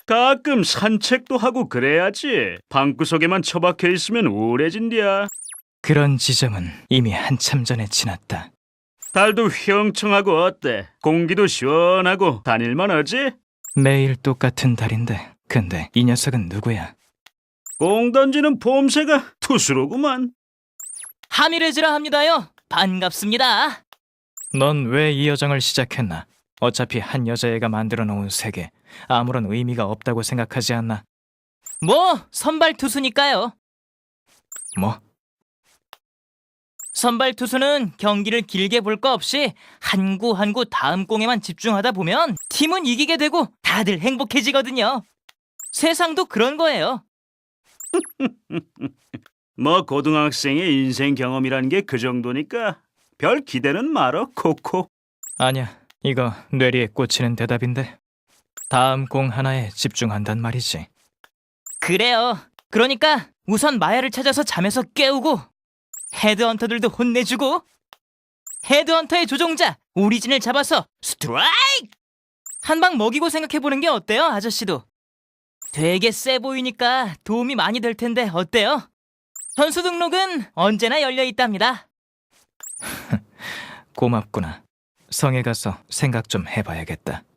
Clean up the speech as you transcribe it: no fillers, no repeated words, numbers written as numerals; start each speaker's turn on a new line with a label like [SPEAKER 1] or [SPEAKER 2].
[SPEAKER 1] 가끔 산책도 하고 그래야지. 방구석에만 처박혀 있으면 우울해진디야.
[SPEAKER 2] 그런 지점은 이미 한참 전에 지났다.
[SPEAKER 1] 달도 휘영청하고 어때? 공기도 시원하고 다닐만 하지?
[SPEAKER 2] 매일 똑같은 달인데 근데 이 녀석은 누구야?
[SPEAKER 1] 공 던지는 봄새가 투수로구만.
[SPEAKER 3] 하미레즈라 합니다요. 반갑습니다.
[SPEAKER 2] 넌 왜 이 여정을 시작했나? 어차피 한 여자애가 만들어 놓은 세계 아무런 의미가 없다고 생각하지 않나?
[SPEAKER 3] 뭐 선발 투수니까요.
[SPEAKER 2] 뭐?
[SPEAKER 3] 선발 투수는 경기를 길게 볼 거 없이 한 구 한 구 다음 공에만 집중하다 보면 팀은 이기게 되고 다들 행복해지거든요. 세상도 그런 거예요.
[SPEAKER 1] 뭐 고등학생의 인생 경험이란 게 그 정도니까 별 기대는 말어, 코코.
[SPEAKER 2] 아니야, 이거 뇌리에 꽂히는 대답인데 다음 공 하나에 집중한단 말이지.
[SPEAKER 3] 그래요. 그러니까 우선 마야를 찾아서 잠에서 깨우고 헤드헌터들도 혼내주고 헤드헌터의 조종자 오리진을 잡아서 스트라이크! 한 방 먹이고 생각해보는 게 어때요, 아저씨도? 되게 세 보이니까 도움이 많이 될 텐데 어때요? 선수 등록은 언제나 열려 있답니다.
[SPEAKER 2] 고맙구나. 성에 가서 생각 좀 해봐야겠다.